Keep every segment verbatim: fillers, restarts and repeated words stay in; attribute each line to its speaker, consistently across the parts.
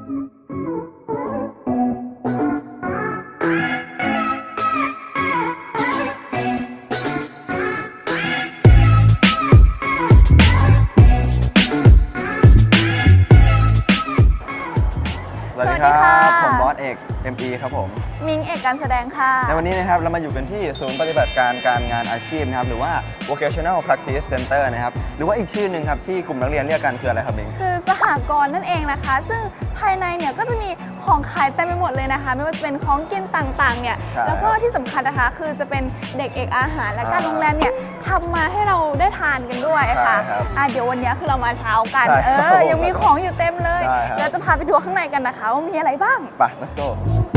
Speaker 1: สวัสดีครับผมบอสเอก เอ็ม อี ครับผม
Speaker 2: มิงเอกการแสดงค่ะ
Speaker 1: ในวันนี้นะครับเรามาอยู่กันที่ศูนย์ปฏิบัติการการงานอาชีพนะครับหรือว่า Vocational Practice Center นะครับหรือว่าอีกชื่อหนึ่งครับที่กลุ่มนักเรียนเรียกกันคืออะไรครับมิง
Speaker 2: คือสหกรณ์นั่นเองนะคะซึ่งภายในเนี่ยก็จะมีของขายเต็มไปหมดเลยนะคะไม่ว่าจะเป็นของกินต่างๆเนี่ยแล้วก็ที่สำคัญนะคะคือจะเป็นเด็กเอกอาหารและการโรงแรมเนี่ยทำมาให้เราได้ทานกันด้วยค่ะอ่ะเดี๋ยววันนี้คือเรามาเช้ากันเออยังมีของอยู่เต็มเลยเดี๋ยวจะพาไปทัวร์ข้างในกันนะคะว่ามีอะไรบ้าง
Speaker 1: ไป let's go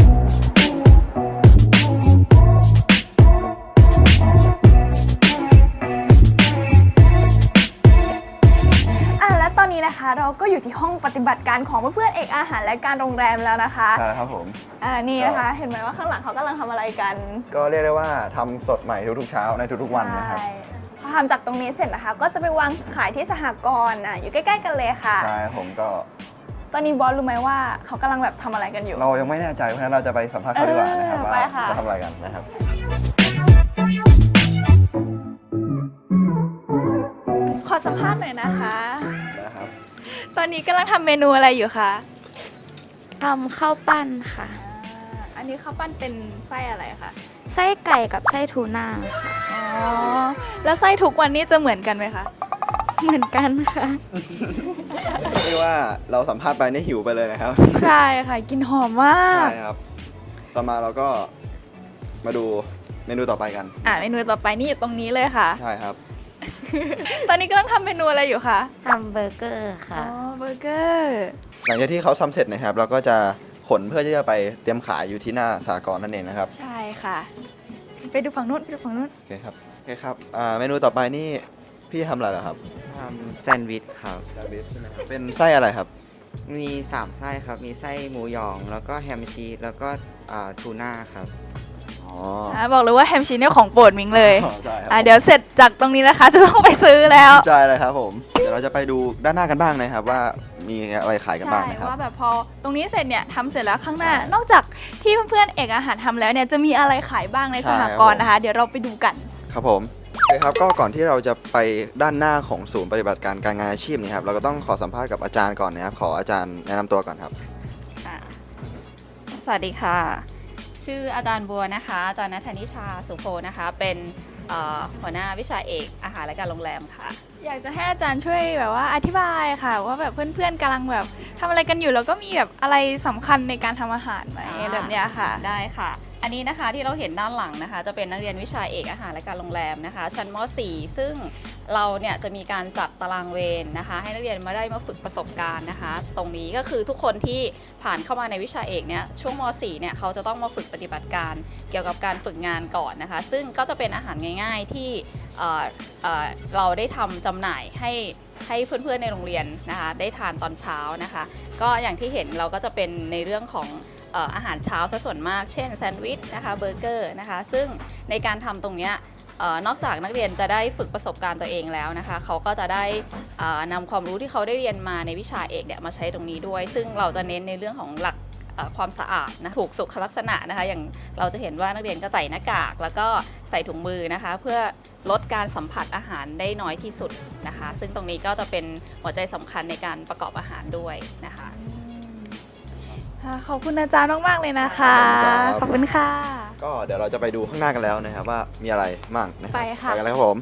Speaker 2: ตอนนี้นะคะเราก็อยู่ที่ห้องปฏิบัติการของเพื่อนๆเอกอาหารและการโรงแรมแล้วนะคะ
Speaker 1: ใช่ครับผม
Speaker 2: อ่านี่นะคะเห็นไหมว่าข้างหลังเขากำลังทำอะไรกัน
Speaker 1: ก็เรียกได้ว่าทำสดใหม่ทุกๆเช้าในทุกๆวันนะครับ
Speaker 2: พอทำจากตรงนี้เสร็จนะคะก็จะไปวางขายที่สหกรณ์อ่ะอยู่ใกล้ๆกันเลยค่ะ
Speaker 1: ใช่ผมก็
Speaker 2: ตอนนี้บอสรู้ไหมว่าเขากำลังแบบทำอะไรกันอยู่
Speaker 1: เรายังไม่แน่ใจเพราะฉะนั้นเราจะไปสัมภาษณ์เขาดีกว่านะครับว่าจะทำอะไรกันนะครับ
Speaker 2: ขอสัมภาษณ์หน่อยนะคะนะครับตอนนี้กำลังทำเมนูอะไรอยู่คะ
Speaker 3: ทำข้าวปั้นค่ะ
Speaker 2: อันนี้ข้าวปั้นเป็นไส้อะไรคะ
Speaker 3: ไส้ไก่กับไส้ทูน่า
Speaker 2: อ๋อแล้วไส้ทุกวันนี้จะเหมือนกันไหมคะ
Speaker 3: เหมือนกันค่ะ
Speaker 1: เรียกว่าเราสัมภาษณ์ไปนี่หิวไปเลยนะครับ
Speaker 2: ใช่ค่ะกินหอมมาก
Speaker 1: ใช่ครับต่อมาเราก็มาดูเมนูต่อไปกัน
Speaker 2: อ่าเมนูต่อไปนี่อยู่ตรงนี้เลยค่ะ
Speaker 1: ใช่ครับ
Speaker 2: ตอนนี้กำลังทำเมนูอะไรอยู่คะ
Speaker 3: ทำเบอร์เกอร์ค่ะ
Speaker 2: อ๋อเบอร์เกอร์
Speaker 1: หลังจากที่เขาทำเสร็จนะครับเราก็จะขนเพื่อที่จะไปเตรียมขายอยู่ที่หน้าสหกรณ์นั่นเองนะครับ
Speaker 2: ใช่ค่ะไปดูฝั่งนู้นไปดูฝั่งนู้น
Speaker 1: โอเคครับโอเคครับอ่าเมนูต่อไปนี่พี่ทำอะไรเหรอครับ
Speaker 4: ทำแซนด์วิชครับ
Speaker 1: แซนด์วิชใช่ไหมครับเป็นไส้อะไรครับ
Speaker 4: มีสามไส้ครับมีไส้หมูหยองแล้วก็แฮมชีสแล้วก็ทูน่าครับ
Speaker 2: อ๋อบอกเลยว่าแฮมชีสเนี่ยของโปรดมิงเลยอ่าเดี๋ยวเสร็จจากตรงนี้นะคะจะต้องไปซื้อแล้ว
Speaker 1: ใช่เลยครับผมเดี๋ยวเราจะไปดูด้านหน้ากันบ้างนะครับว่ามีอะไรขายกันบ้างนะครับ
Speaker 2: ว่าแบบพอตรงนี้เสร็จเนี่ยทำเสร็จแล้วข้างหน้านอกจากที่เพื่อนๆเอกอาหารทำแล้วเนี่ยจะมีอะไรขายบ้างในสหกรณ์นะคะเดี๋ยวเราไปดูกัน
Speaker 1: ครับผมโอเคครับก็ก่อนที่เราจะไปด้านหน้าของศูนย์ปฏิบัติการการงานอาชีพนี่ครับเราก็ต้องขอสัมภาษณ์กับอาจารย์ก่อนนะครับขออาจารย์แนะนำตัวก่อนครับ
Speaker 5: สวัสดีค่ะชื่ออาจารย์บัวนะคะอาจารย์ณัฐนิชาสุโพนะคะเป็นหัวหน้าวิชาเอกอาหารและการโรงแรมค่ะ
Speaker 2: อยากจะให้อาจารย์ช่วยแบบว่าอธิบายค่ะว่าแบบเพื่อนๆกำลังแบบทำอะไรกันอยู่แล้วก็มีแบบอะไรสำคัญในการทำอาหารไหมแบบเนี้ยค่ะ
Speaker 5: ได้ค่ะอันนี้นะคะที่เราเห็นด้านหลังนะคะจะเป็นนักเรียนวิชาเอกอาหารและการโรงแรมนะคะชั้นม.สี่ ซึ่งเราเนี่ยจะมีการจัดตารางเวรนะคะให้นักเรียนมาได้มาฝึกประสบการณ์นะคะตรงนี้ก็คือทุกคนที่ผ่านเข้ามาในวิชาเอกเนี่ยช่วงม.สี่ เนี่ยเขาจะต้องมาฝึกปฏิบัติการเกี่ยวกับการฝึกงานก่อนนะคะซึ่งก็จะเป็นอาหารง่ายๆที่เอ่อเอ่อเราได้ทำจำหน่ายให้ให้เพื่อนๆในโรงเรียนนะคะได้ทานตอนเช้านะคะก็อย่างที่เห็นเราก็จะเป็นในเรื่องของอาหารเช้าซะส่วนมากเช่นแซนด์วิชนะคะเบอร์เกอร์นะคะซึ่งในการทำตรงนี้นอกจากนักเรียนจะได้ฝึกประสบการณ์ตัวเองแล้วนะคะเขาก็จะได้นำความรู้ที่เขาได้เรียนมาในวิชาเอกเนี่ยมาใช้ตรงนี้ด้วยซึ่งเราจะเน้นในเรื่องของหลักความสะอาดนะถูกสุขลักษณะนะคะอย่างเราจะเห็นว่านักเรียนก็ใส่หน้ากากแล้วก็ใส่ถุงมือนะคะเพื่อลดการสัมผัสอาหารได้น้อยที่สุดนะคะซึ่งตรงนี้ก็จะเป็นหัวใจสำคัญในการประกอบอาหารด้วยนะคะ
Speaker 2: ขอบคุณอาจารย์มากๆเลยนะคะขอบคุณค่ะ
Speaker 1: ก็เดี๋ยวเราจะไปดูข้างหน้ากันแล้วนะครับว่ามีอะไรบ้างนะครับ
Speaker 2: ไปค่ะ
Speaker 1: ไปกันเลยครับผม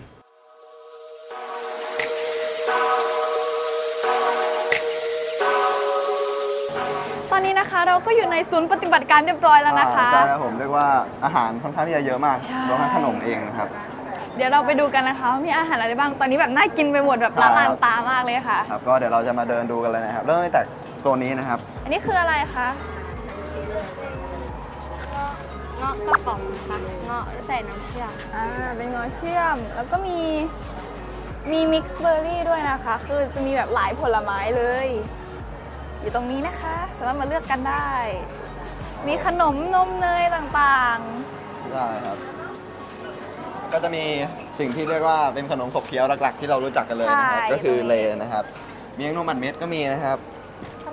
Speaker 2: ตอนนี้นะคะเราก็อยู่ในศูนย์ปฏิบัติการเรียบร้อยแล้วนะคะ
Speaker 1: ใช่ครับผมเรียกว่าอาหารค่อนข้างที่จะเยอะมากรวมทั้งขนมเองนะครับ
Speaker 2: เดี๋ยวเราไปดูกันนะคะว่ามีอาหารอะไรบ้างตอนนี้แบบน่ากินไปหมดแบบละลานตามากเลยค่ะ
Speaker 1: ครับก็เดี๋ยวเราจะมาเดินดูกันเลยนะครับเริ่มตั้งแต่โซนนี้นะครับ
Speaker 2: อันนี้คืออะไรคะ
Speaker 3: เงาะกระป๋องค่ะเงาะใส่น้ำเชื่อม
Speaker 2: อ่าเป็นเงาะเชื่อมแล้วก็มีมีมิกซ์เบอร์รี่ด้วยนะคะคือจะมีแบบหลายผลไม้เลยอยู่ตรงนี้นะคะสามารถมาเลือกกันได้มีขนมนมเนยต่าง
Speaker 1: ๆได้ครับก็จะมีสิ่งที่เรียกว่าเป็นขนมขบเคี้ยวหลักๆที่เรารู้จักกันเลยนะครับก็คือเลนะครับมีขนมมันเม็ดก็มีนะครับ
Speaker 2: ข้าวโพ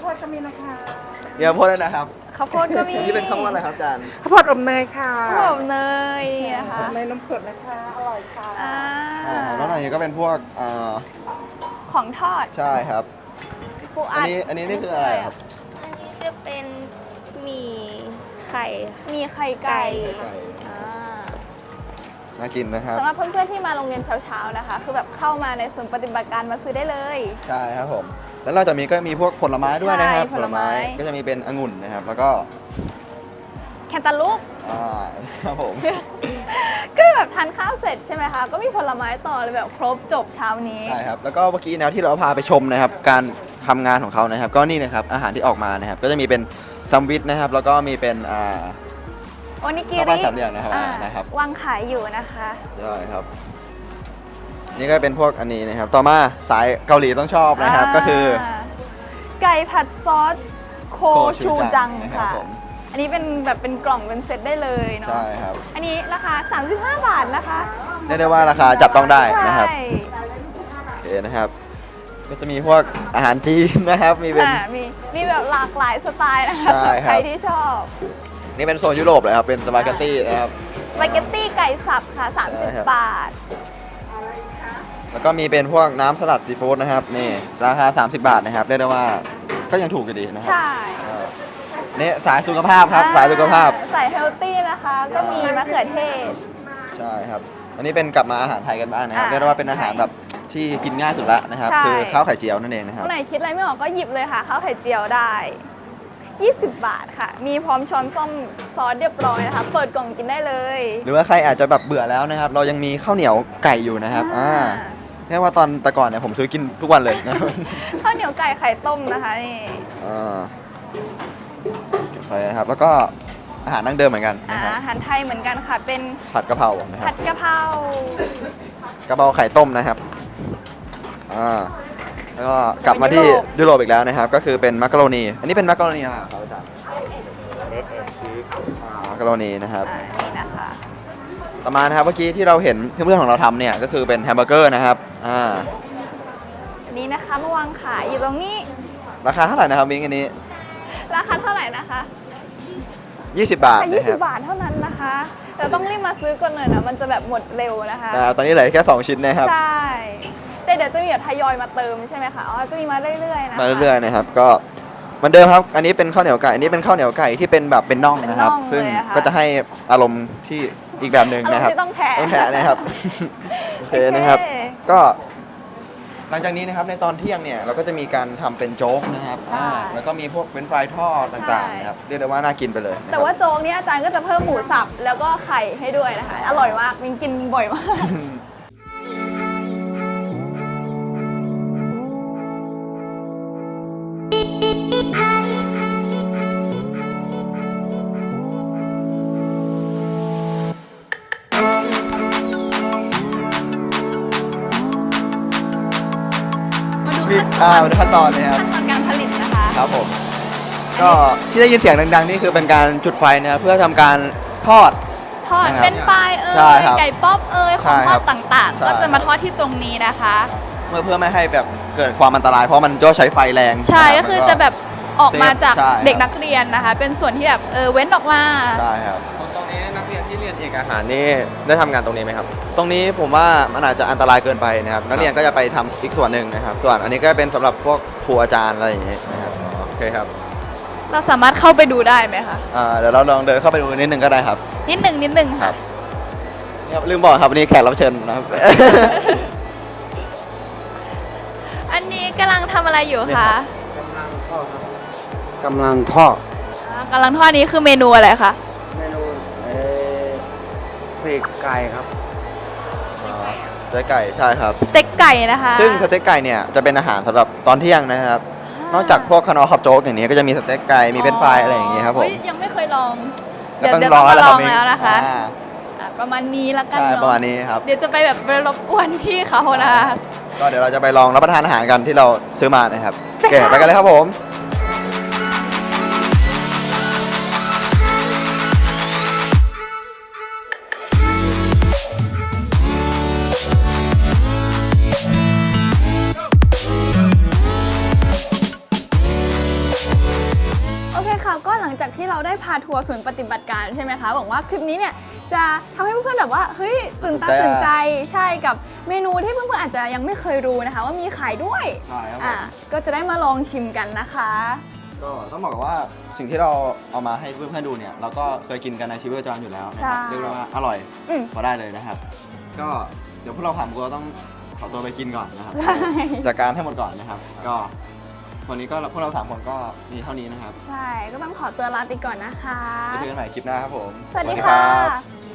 Speaker 6: ดก็มีนะคะ
Speaker 1: เดี๋ยวโพสเลยนะครับ
Speaker 2: ข้าวโพดก็มี
Speaker 1: นี่เป็นข้าวโพดอะไรครับอาจารย์
Speaker 6: ข้าวโพดอบเนยค่ะ
Speaker 2: ข้าวโพดเนยนะคะ
Speaker 6: อบเนยนมสดนะคะ อร่อยค่ะ
Speaker 2: อ่า
Speaker 1: อ่าแล้วอันนี้ก็เป็นพวกอ่า
Speaker 2: ของทอด
Speaker 1: ใช่ครับ
Speaker 2: ปู
Speaker 1: อั
Speaker 2: อั
Speaker 1: น
Speaker 2: ด
Speaker 1: นี้อันนี้นี่คืออะไรครับ
Speaker 3: อันนี้จะเป็นหมี่ไข่
Speaker 2: มีไข่ไก่
Speaker 1: ไก่
Speaker 2: อ่า
Speaker 1: น่ากินนะครับ
Speaker 2: สำหรับเพื่อนๆที่มาโรงเรียนเช้าๆนะคะ คือแบบเข้ามาในศูนย์ปฏิบัติการมาซื้อได้เลย
Speaker 1: ใช่ครับผม แล้วเราจะมีก็มีพวกผลไม้ด้วยนะครับ
Speaker 2: ใช่ผลไม้
Speaker 1: ก็จะมีเป็นองุ่นนะครับ แล้วก็
Speaker 2: แคนตาลูป
Speaker 1: อ่าครับผม
Speaker 2: ก็แบบทานข้าวเสร็จใช่ไหมคะ ก็มีผลไม้ต่อเลยแบบครบจบเช้านี้
Speaker 1: ใช่ครับ แล้วก็เมื่อกี้นะที่เราพาไปชมนะครับ การทำงานของเขานะครับ ก็นี่นะครับอาหารที่ออกมานะครับ ก็จะมีเป็นแซมวิชนะครับ แล้วก็มีเป็นอ่า
Speaker 2: โอนิกิ
Speaker 1: ข้าว
Speaker 2: ริ
Speaker 1: ปั้นสามเหลี่ยมนะครับ
Speaker 2: อ่า
Speaker 1: นะครับ
Speaker 2: วางขายอยู่นะคะ
Speaker 1: ใช่ครับ นี่ก็เป็นพวกอันนี้นะครับ ต่อมาสายเกาหลีต้องชอบนะครับ ก็คือ
Speaker 2: าไก่ผัดซอสโค
Speaker 1: โคชู
Speaker 2: ชู
Speaker 1: จั
Speaker 2: จั
Speaker 1: ง
Speaker 2: ง
Speaker 1: นะครับ
Speaker 2: ค่ะ
Speaker 1: ผม
Speaker 2: อันนี้เป็นแบบเป็นกล่องเป็นเซตได้เลยเนาะ
Speaker 1: ใช่ครับ
Speaker 2: อันนี้ราคา สามสิบห้า บาทนะคะ
Speaker 1: เรียกได้ว่าราคาจับต้องได้นะครับ
Speaker 2: ใช่
Speaker 1: โอเคนะครับ ก็จะมีพวกอาหารจีนนะครับ มีเป็น
Speaker 2: อ่ามีมีแบบหลากหลายสไตล์นะคะ
Speaker 1: ใช่ครับ
Speaker 2: ใครที่ชอบ
Speaker 1: นี่เป็นโซนยุโรปเลยครับ เป็นสปาเกตตี้นะครับ
Speaker 2: สปาเกตตี้ไก่สับค่ะ
Speaker 1: ใช่ครับ
Speaker 2: 30 บาท
Speaker 1: แล้วก็มีเป็นพวกน้ำสลัดซีฟู้ดนะครับ นี่ราคา สามสิบบาทนะครับ เรียกได้ว่าก็ยังถูกอยู่ดีนะครั
Speaker 2: ใช่
Speaker 1: อ่านี่สายสุขภาพครับ สายสุขภาพ
Speaker 2: สายเฮลตี้นะคะ ก็มีมะเขือเทศ
Speaker 1: ใช่ครับ อันนี้เป็นกลับมาอาหารไทยกันบ้างนะครับ
Speaker 2: อ่า
Speaker 1: เรียกได้ว่าเป็นอาหารแบบที่กินง่ายสุดละนะครับ
Speaker 2: ใช่
Speaker 1: คือข้าวไข่เจียวนั่นเองนะครับ
Speaker 2: คนไหนคิดอะไรไม่ออกก็หยิบเลยค่ะข้าวไข่เจียวได้ ยี่สิบบาทค่ะ มีพร้อมช้อนส้อมซอสเรียบร้อยนะคะ เปิดกล่องกินได้เลย
Speaker 1: หรือว่าใครอาจจะแบบเบื่อแล้วนะครับ เรายังมีข้าวเหนียวไก่อยู่นะครับ อ่าแค่ว่าตอนแต่ก่อนเนี่ยผมซื้อกินทุกวันเลยนะครับ
Speaker 2: ข้าวเหนียวไก่ไข่ต้มนะคะนี่
Speaker 1: อ่าใช่ครับ แล้วก็อาหารดั้งเดิมเหมือนกัน
Speaker 2: อ่า
Speaker 1: นะครับ
Speaker 2: อาหารไทยเหมือนกันค่ะ เป็น
Speaker 1: ผัดกะเพรานะค
Speaker 2: ผั
Speaker 1: รับ
Speaker 2: ดกะเพราก
Speaker 1: ะเพราไข่ต้มนะครับ อ่า แล้วก็กลับมาที่ยุโรปอีกแล้วนะครับ ก็คือเป็นมักกะโรนี อันนี้เป็นมักกะโรนีอะไรครับอาจารย์อ่ามักกะโรนีนะครับ
Speaker 2: อ่านี่นะคะ
Speaker 1: ต่อมานะครับ เมื่อกี้ที่เราเห็นเพื่อนๆของเราทำเนี่ย ก็คือเป็นแฮมเบอร์เกอร์นะครับ อ่า
Speaker 2: อันนี้นะคะมาวางขายอยู่ตรงนี้
Speaker 1: ราคาเท่าไหร่นะครับมิ้งอันนี้
Speaker 2: ราคาเท่าไหร่นะคะ
Speaker 1: ยี่สิบบาท
Speaker 2: แค่
Speaker 1: นะ
Speaker 2: ยี่
Speaker 1: ค
Speaker 2: สิ
Speaker 1: รั
Speaker 2: บบ บาทเท่านั้นนะคะแต่ต้องรีบมาซื้อก่อนหน่อยนะ มันจะแบบหมดเร็วนะคะ
Speaker 1: อ่าตอนนี้เหลือแค่สองชิ้นนะครับ
Speaker 2: ใช่ แต่เดี๋ยวจะมีแบบทยอยมาเติมใช่ไหมคะอ๋อจะมีมาเรื่อยๆนะคะ
Speaker 1: มาเรื่อยๆนะครับ ก็เหมือนเดิมครับ อันนี้เป็นข้าวเหนียวไก่ อันนี้เป็นข้าวเหนียวไก่ที่เป็นแบบเป็นน่องนะครับ
Speaker 2: เป็นน่อง
Speaker 1: ซึ่ง
Speaker 2: เลยอะค่ะ
Speaker 1: ก็จะให้อารมณ์ที่อีกแบบหนึ่งนะครับ
Speaker 2: อารมณ์ที่ต้องแทะ
Speaker 1: ต้องแทะนะครับ โอเคนะครับ ก็หลังจากนี้นะครับในตอนเที่ยงเนี่ยเราก็จะมีการทำเป็นโจ๊กนะครับอ่าแล้วก็มีพวกเฟรนช์ฟรายทอดต่างๆนะครับ เรียกได้ว่าน่ากินไปเลยนะครับ
Speaker 2: แต่ว่าโจ๊กเนี่ยอาจารย์ก็จะเพิ่มหมูสับแล้วก็ไข่ให้ด้วยนะคะ อร่อยมากมินกินบ่อยมาก
Speaker 1: มีอ่ามาดูขั้นตอนเลยครับ
Speaker 2: ขั้นตอนการผลิตนะคะ
Speaker 1: ครับผม ก็ที่ได้ยินเสียงดังๆนี่คือเป็นการจุดไฟนะครับเพื่อทำการทอด
Speaker 2: ทอด
Speaker 1: นะครับ
Speaker 2: เป็นปลายเอ่
Speaker 1: ใช่
Speaker 2: ย
Speaker 1: ครับ
Speaker 2: ไก่ป๊อปเอ่ยข
Speaker 1: ใช่
Speaker 2: องท
Speaker 1: ครั
Speaker 2: อบ ดต่าง
Speaker 1: ใช่
Speaker 2: ๆ ก็จะมาทอดที่ตรงนี้นะคะ
Speaker 1: เมื่อเพื่อไม่ให้แบบเกิดความอันตราย เพราะมันก็ใช้ไฟแรง
Speaker 2: ใช่
Speaker 1: นรับ
Speaker 2: ก็คือ
Speaker 1: มัน
Speaker 2: จะแบบออกมาจาก
Speaker 1: ใช่ครับ
Speaker 2: เด็กนักเรียนนะคะ เป็นส่วนที่แบบเออเว้นออกมา
Speaker 1: ใช่ครับ
Speaker 7: ตรงนี้นักเรียนที่เรียนเอกอาหารนี่ได้ทำงานตรงนี้ไหมครับ
Speaker 1: ตรงนี้ผมว่ามันอาจจะอันตรายเกินไปนะครับ นักเรียนก็จะไปทำอีกส่วนหนึ่งนะครับ ส่วนอันนี้ก็เป็นสำหรับพวกครูอาจารย์อะไรอย่างเงี้ยนะครับ
Speaker 7: โอเคครับ
Speaker 2: เราสามารถเข้าไปดูได้ไหมคะ
Speaker 1: อ่าเดี๋ยวเราลองเดินเข้าไปดูนิดนึงก็ได้ครับ
Speaker 2: นิดหนึ่งนิดหนึ่ง
Speaker 1: ครั
Speaker 2: ค่ะ
Speaker 1: บ นี่ครับลืมบอกครับวันนี้แขกรับเชิญนะครับ
Speaker 2: อันนี้กำลังทำอะไรอยู่
Speaker 1: เนี่ย
Speaker 2: คะ
Speaker 1: ครับ
Speaker 7: กำลังทอด
Speaker 2: อ่ากำลังทอดนี้คือเมนูอะไรคะ
Speaker 7: เมนูปีกไก่ครับ
Speaker 1: สเต็กไก่ใช่ครับ
Speaker 2: สเต็กไก่นะคะ
Speaker 1: ซึ่งสเต็กไก่เนี่ยจะเป็นอาหารสำหรับตอนเที่ยงนะครับ นอกจากพวกคานอขับโจ๊กอย่างนี้ก็จะมีสเต็กไก่มีเฟรนช์ฟรายอะไรอย่างนี้ครับผม
Speaker 2: เฮ้ยยังไม่เคยลอง
Speaker 1: ก็ต้อง
Speaker 2: เดี๋ยว
Speaker 1: รอ
Speaker 2: เดี๋ยว
Speaker 1: แล้วค
Speaker 2: ต้
Speaker 1: รั
Speaker 2: อบ งมาลองแล้วนะคะ
Speaker 1: อ่า
Speaker 2: อ่ะประมาณนี้ละกัน
Speaker 1: ใช่
Speaker 2: เนาะ
Speaker 1: ประมาณนี้ครับ
Speaker 2: เดี๋ยวจะไปแบบไปรบกวนพี่เขานะคะ
Speaker 1: ก็เดี๋ยวเราจะไปลองรับประทานอาหารกันที่เราซื้อมานะครับ
Speaker 2: ไป
Speaker 1: โอเค
Speaker 2: ค่ะ
Speaker 1: ไปกันเลยครับผม
Speaker 2: อค่ะก็หลังจากที่เราได้พาทัวร์ศูนย์ปฏิบัติการใช่ไหมคะหวังว่าคลิปนี้เนี่ยจะทำให้เพื่อนๆแบบว่าเฮ้ยตื่นตาตื่นใจใช่กับเมนูที่เพื่อนๆอาจจะยังไม่เคยรู้นะคะ ว่ามีขายด้วย
Speaker 1: ใช่ครับผม
Speaker 2: อ่ะก็จะได้มาลองชิมกันนะคะ
Speaker 1: ก็ต้องบอกว่าสิ่งที่เราเอามาให้เพื่อนๆดูเนี่ยเราก็เคยกินกันในชีวิตประจำวันอยู่แล้วนะครับ
Speaker 2: ใช่
Speaker 1: เรียกได้ว่าอร่อย
Speaker 2: อืม
Speaker 1: พอได้เลยนะครับ ก็เดี๋ยวพวกเราผ่านก็ต้องขอตัวไปกินก่อนนะครับ
Speaker 2: ใช่
Speaker 1: จัดการให้หมดก่อนนะครับ ก็วันนี้ก็พวกเราสามคนก็มีเท่านี้นะครับ
Speaker 2: ใช่ก็ต้องขอตัวลาไปก่อนนะคะ
Speaker 1: ไปเจอกันใหม่คลิปหน้าครับผม
Speaker 2: สวัสดี
Speaker 1: รั
Speaker 2: ค่ะ
Speaker 1: บ